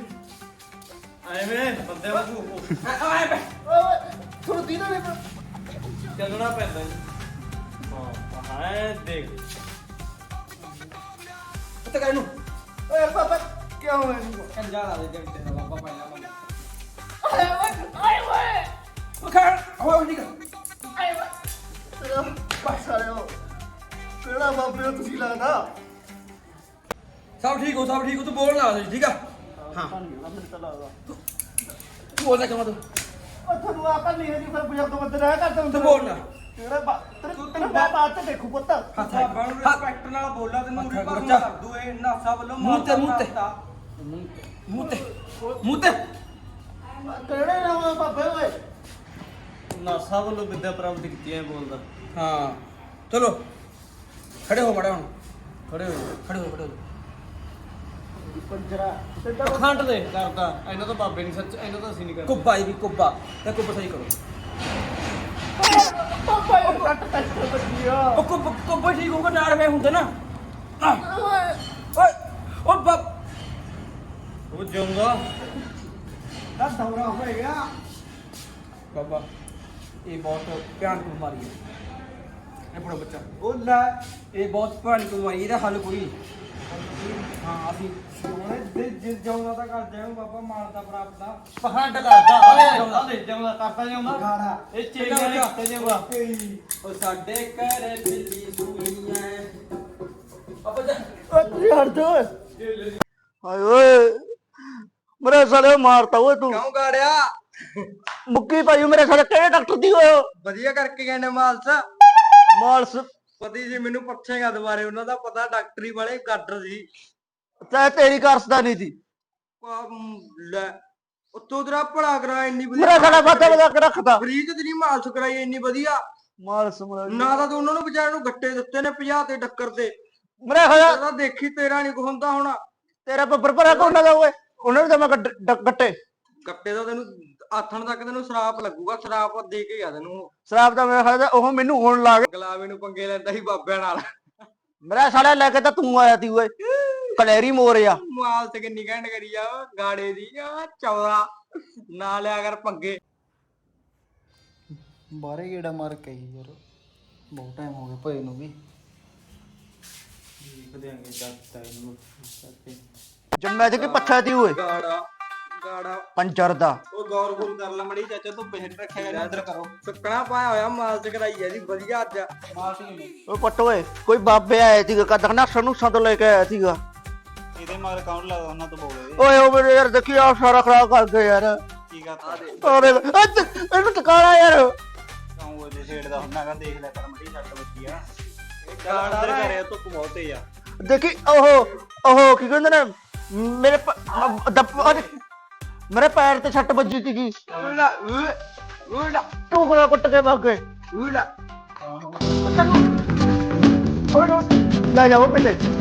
S4: ਐਵੇਂ ਬੰਦੇ ਵਾਂਗੂ
S2: ਆਏ ਬੈ
S5: ਓਏ ਥੋੜਾ ਦੀਨਾ ਨੇ
S4: ਚੱਲਣਾ ਪੈਂਦਾ ਜੀ ਹਾਂ ਹਾਂ ਦੇਖ
S2: ਉੱਤੇ ਕਰ ਇਹਨੂੰ
S5: ਓਏ ਬਾਬਾ ਕੀ ਹੋਇਆ ਇਹਨੂੰ
S2: ਕੰਜਾ ਲਾ ਦੇ ਜੰਟੇ ਦਾ ਬਾਬਾ ਪਹਿਲਾਂ ਮੰਨ
S5: ਆਏ ਓਏ ਆਏ ਓਏ
S2: ਉਹ ਖੜ ਹੋਇਆ ਨਹੀਂ ਕਰ
S5: ਆਏ ਓਏ ਤੇਰਾ ਬਸ ਆਇਓ ਕਿਹੜਾ ਬਾਬੇ ਹੋ ਤੁਸੀਂ ਲੱਗਦਾ
S2: ਸਭ ਠੀਕ ਹੋ ਸਭ ਠੀਕ ਹੋ ਤੂੰ ਬੋਲ ਨਾ ਦੇ ਠੀਕ ਆ ਹਾਂ
S5: ਮੈਨੂੰ ਤਾਂ ਲੱਗਦਾ
S2: ਤੂੰ ਬੋਲ ਜਾ ਤੂੰ
S5: ਉਹ ਤੁਹਾਨੂੰ ਆਕਲ ਨਹੀਂ ਹੈ ਜੀ ਫਿਰ ਬਜ਼ੁਰਗ ਬੰਦੇ ਰਹਿ ਕਰਦੇ ਹੁੰਦੇ
S2: ਤੂੰ ਬੋਲ ਨਾ
S5: ਕਿਹੜਾ ਬਾ ਤੇਰੇ ਤੇਰੇ ਬਾਪ ਆ ਤੇ ਦੇਖੂ ਪੁੱਤ
S2: ਹੱਥ
S1: ਬਾਬਾ ਨੂੰ ਰਿਸਪੈਕਟ ਨਾਲ ਬੋਲਾ ਤੈਨੂੰ ਉਰੀ ਪਰ ਕਰ ਦੂ ਇਹ ਨਾਸਾ ਵੱਲੋਂ
S2: ਮੂੰਹ ਤੇ ਮੂੰਹ ਤੇ ਮੂੰਹ ਤੇ ਮੂੰਹ ਤੇ
S5: ਕਿਹੜੇ ਨਾਮ ਬਾਬੇ ਓਏ
S4: ਨਾਸਾ ਵੱਲੋਂ ਵਿਦਿਆ ਪ੍ਰਾਪਤ ਕੀਤੀ ਐ ਬੋਲਦਾ
S2: ਹਾਂ ਚਲੋ ਖੜੇ ਹੋ ਮੜਾ ਹੁਣ ਖੜੇ ਹੋ ਖੜੇ ਹੋ ਖੜੇ ਹੋ
S5: ਪੰਜਰਾ ਤੇ ਤਾਂ
S4: ਪਖੰਡ ਦੇ ਕਰਦਾ ਇਹਨਾਂ ਤੋਂ ਬਾਬੇ ਨਹੀਂ ਸੱਚ ਇਹਨਾਂ ਤੋਂ ਅਸੀਂ ਨਹੀਂ ਕਰਦੇ
S2: ਕੁੱਬਾ ਇਹ ਵੀ ਕੁੱਬਾ ਤੇ ਕੁੱਬਾ ਸਹੀ ਕਰੋ
S5: ਬਾਬਾ ਇਹ ਕੱਟ ਕੱਟ ਬੱਜੀਆ
S2: ਉਹ ਕੁੱਬਾ ਕੁੱਬਾ ਠੀਕ ਹੋਊਗਾ ਨਾਲ ਵੇ ਹੁੰਦੇ ਨਾ ਆਹ,
S5: ਓਏ
S2: ਓਏ ਉਹ ਬਾਬ
S4: ਉਹ ਜਾਊਗਾ
S5: ਦਾ ਦੌਰਾ ਹੋਏਗਾ
S2: ਬਾਬਾ ਇਹ ਬਹੁਤ ਭਿਆਨਕ ਬਿਮਾਰੀ ਹੈ ਇਹ ਬੜਾ ਬੱਚਾ
S5: ਉਹ ਲੈ
S2: ਇਹ ਬਹੁਤ ਭਿਆਨਕ ਬਿਮਾਰੀ ਇਹਦਾ ਹੱਲ ਕੋਈ ਨਹੀਂ। ਹਾਂ ਅਸੀਂ
S1: ਉਹਨੇ ਜਿਸ ਜਾਉਂਦਾ ਤਾਂ ਕਰ ਜਾਉਂ ਬਾਬਾ ਮਾਰਦਾ ਪ੍ਰਾਪਤਾ
S4: ਪਖੰਡ ਕਰਦਾ ਓਏ ਉਹਦੇ ਜਾਊਗਾ ਕਰਦਾ ਜਾਊਗਾ
S5: ਗਾੜਾ
S4: ਇਹ ਚੇਗਾ ਨਹੀਂ ਕਰਤੇ ਜਾਊਗਾ
S2: ਉਹ ਸਾਡੇ ਘਰ ਬਿੱਲੀ ਸੂਈ ਐ ਆਪਾਂ ਜਾ
S5: ਓ ਤੁਸੀਂ ਹਟ ਜਾ ਓਏ
S3: ਹਾਏ ਓਏ ਮੇਰੇ ਸਾਲੇ ਮਾਰਤਾ ਓਏ ਤੂੰ
S1: ਕਿਉਂ ਗਾੜਿਆ
S3: ਮੁੱਕੀ ਭਾਈ ਮੇਰੇ ਸਾਲੇ ਕਿਹੜੇ ਡਾਕਟਰ ਦੀ ਹੋਏ ਹੋ
S1: ਵਧੀਆ ਕਰਕੇ ਗਏ ਨੇ ਮਾਲਸ
S3: ਮਾਲਸ
S1: ਪਤੀ ਜੀ ਮੈਨੂੰ ਪੁੱਛੇਗਾ ਦੁਬਾਰੇ ਉਹਨਾਂ ਦਾ ਪਤਾ ਡਾਕਟਰੀ ਵਾਲੇ ਗਾਡਰ ਸੀ
S3: ਤੈ ਤੇਰੀ ਕਰਸਦਾ ਨਹੀਂ ਸੀ
S1: ਆਹ, ਮ, ਲੈ ਉੱਤੋਂ ਤੇਰਾ ਭਲਾ ਕਰਾ ਇੰਨੀ
S3: ਮੇਰਾ ਸਾਲਾ ਫਾਟਾ ਵਜਾ ਕੇ ਰੱਖਦਾ
S1: ਫਰੀ ਤੇ ਤੇਰੀ ਮਾਲਸ ਕਰਾਈ ਇੰਨੀ ਵਧੀਆ
S3: ਮਾਲਸ ਮਾਲਸ
S1: ਨਾ ਤਾਂ ਤੂੰ ਉਹਨਾਂ ਨੂੰ ਵਿਚਾਰਿਆਂ ਨੂੰ ਗੱਟੇ ਦਿੱਤੇ ਨੇ ਪੰਜਾਹ ਤੇ ਟੱਕਰ ਤੇ
S3: ਮੇਰਾ ਸਾਲਾ
S1: ਤੇਰਾ ਦੇਖੀ ਤੇਰਾ ਨਹੀਂ ਕੁ ਹੁੰਦਾ ਹੋਣਾ
S3: ਤੇਰਾ ਬੱਬਰ ਭਰਾ ਕੋਣਾ ਦਾ ਓਏ ਉਹਨਾਂ ਨੂੰ ਤਾਂ ਮੈਂ ਗੱਡ- ਡ- ਗੱਟੇ
S1: ਗੱਟੇ ਦਾ ਤੈਨੂੰ ਆਥਣ ਤੱਕ ਤੈਨੂੰ ਸ਼ਰਾਪ ਲੱਗੂਗਾ ਸ਼ਰਾਪ ਦੇ ਕੇ ਗਿਆ ਤੈਨੂੰ ਉਹ।
S3: ਸ਼ਰਾਬ ਦਾ ਮੇਰਾ ਸਾਲਾ ਉਹ ਮੈਨੂੰ ਹੋਣ ਲੱਗ
S1: ਗਲਾਵੇ ਨੂੰ ਪੰਗੇ ਲੈਂਦਾ ਸੀ ਬਾਬਿਆਂ ਨਾਲ
S3: ਮੇਰਾ ਸਾਲਾ ਲੈ ਕੇ ਤਾਂ ਤੂੰ ਆਇਆ ਤੀ ਓਏ ਕਲੈਰੀ ਮੋਰਿਆ
S1: ਮਾਲ ਤੇ ਕਿੰਨੀ ਘੈਂਟ ਕਰੀ ਆ ਗਾੜੇ ਦੀ ਆ ਚੌਦਾ ਨਾ ਲਿਆ ਕਰ ਪੰਗੇ
S5: ਬਾਰੇ ਗੇੜਾ ਮਾਰ ਕੇ ਆਈ ਯਾਰ ਬਹੁਤ ਟਾਈਮ ਹੋ ਗਿਆ ਭਏ ਨੂੰ ਵੀ
S4: ਦੇਾਂਗੇ ਚਾਚਾ ਇਹਨੂੰ ਚਾਚੇ
S3: ਜੰਮਿਆ ਤੇ ਕਿ ਪੱਛਾ ਤੀ ਓਏ
S1: ਗਾੜਾ ਗਾੜਾ
S3: ਪੰਚਰ ਦਾ
S4: ਉਹ ਗੌਰ ਗੁਰ ਕਰ ਲੈ ਮੜੀ ਚਾਚਾ ਤੂੰ ਬਿਹਟ ਰੱਖਿਆ ਕਰ ਅੰਦਰ ਕਰੋ
S1: ਸੁੱਕਣਾ ਪਾਇਆ ਹੋਇਆ ਮਾਲ ਚ ਕਰਾਈ ਆ ਜੀ ਵਧੀਆ ਅੱਜ
S3: ਓਏ ਪੱਟ ਓਏ ਕੋਈ ਬਾਬੇ ਆਏ ਸੀਗਾ ਕਦਕ ਨਾ ਸਨੂਸਾਂ ਤੋਂ ਲੈ ਕੇ ਆਇਆ ਸੀਗਾ
S4: ਇਹਦੇ ਮਾਰ ਅਕਾਊਂਟ ਲੱਗਦਾ ਉਹਨਾਂ ਤੋਂ ਬੋਲੇ
S3: ਓਏ ਉਹ ਮੇਰੇ ਯਾਰ ਦੇਖੀ ਆ ਸਾਰਾ ਖਰਾਬ ਕਰ ਗਏ ਯਾਰ
S4: ਕੀ ਕਰਤਾ
S3: ਓਰੇ ਇਹਨੂੰ ਟਕਾਲਾ ਯਾਰ
S4: ਕਾਉਂ ਉਹਦੇ ਛੇੜ ਦਾ ਹੁੰਦਾ ਕਾ ਦੇਖ ਲੈ ਕਰ ਮੜੀ ਛੱਟ ਬੱਜੀ ਆ ਇਹ
S1: ਗਾੜਾ
S4: ਅੰਦਰ
S1: ਨਾ
S4: ਕਰਿਆ ਧੁੱਪ ਬਹੁਤ ਤੇਜ਼ ਆ
S3: ਦੇਖੀ ਉਹ ਉਹ ਕੀ ਕਹਿੰਦੇ ਨੇ ਮੇਰੇ ਪ- ਮ- ਦੱਬ- ਉਹਦੇ- ਮੇਰੇ ਪੈਰ ਤੇ ਛੱਟ ਵੱਜੀ ਸੀਗੀ
S1: ਉਲਾ ਉਲਾ
S3: ਟੁਕੜਾ ਕੁੱਟ ਕੇ ਭੱਗ ਗਏ
S1: ਉਲਾ
S3: ਲੈ ਜਾਓ ਪਹਿਲੇ